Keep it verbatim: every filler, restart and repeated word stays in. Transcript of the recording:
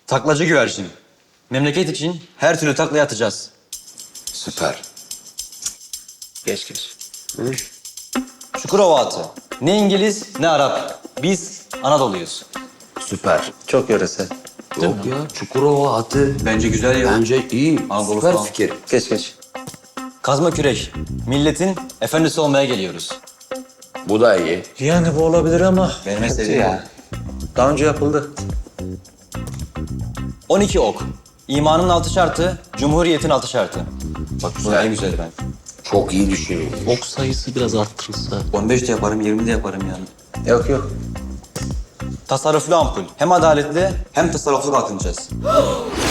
Taklacı güvercin. Memleket için her türlü taklaya atacağız. Süper. Geç geç. Çukurova atı. Ne İngiliz ne Arap. Biz Anadolu'yuz. Süper. Çok yöresel. Yok ya Çukurova atı. Bence güzel ya. Bence iyi. Anadolu Süper falan. fikir. Geç geç. Kazma kürek. Milletin efendisi olmaya geliyoruz. Bu da iyi. Yani bu olabilir ama Benim en sevdiğim ya. Daha önce yapıldı. on iki ok. İmanın altı şartı, cumhuriyetin altı şartı. Bak bu en güzeli ben. Çok iyi düşünüyorsun. Ok sayısı biraz arttırılsa. on beş de yaparım, yirmi de yaparım yani. Yok yok. Tasarruflu ampul. Hem adaletli hem tasarruflu kalkınacağız.